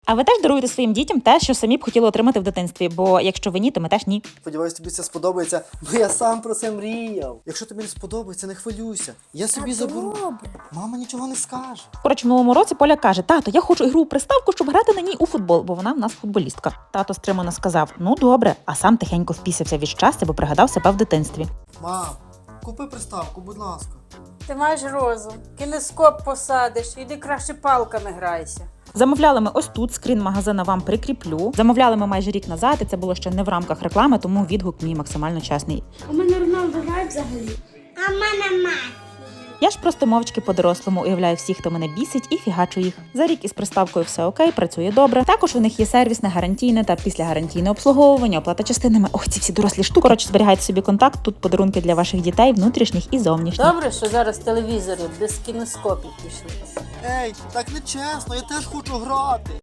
А ви теж даруєте своїм дітям те, що самі б хотіли отримати в дитинстві, бо якщо ви ні, то ми теж ні. Сподіваюсь, тобі це сподобається, бо я сам про це мріяв. Якщо тобі не сподобається, не хвилюйся. Я собі заберу. Мама нічого не скаже. Коротше, в минулому році Поля каже: тато, я хочу ігру у приставку, щоб грати на ній у футбол, бо вона в нас футболістка. Тато стримано сказав: ну добре, а сам тихенько впісявся від щастя, бо пригадав себе в дитинстві. Мам, купи приставку, будь ласка. Ти маєш розум, кінескоп посадиш, іди краще палками грайся. Замовляли ми ось тут, скрін магазина вам прикріплю. Замовляли ми майже рік назад, і це було ще не в рамках реклами, тому відгук мій максимально чесний. У мене Роналдо грає взагалі. А в мене мать. Я ж просто мовчки по-дорослому уявляю всіх, хто мене бісить, і фігачу їх. За рік із приставкою все окей, працює добре. Також у них є сервісне, гарантійне та післягарантійне обслуговування, оплата частинами. Ох, ці всі дорослі штуки. Коротше, зберігайте собі контакт, тут подарунки для ваших дітей, внутрішніх і зовнішніх. Добре, що зараз телевізори без кінескопів пішли. Ей, так не чесно, я теж хочу грати.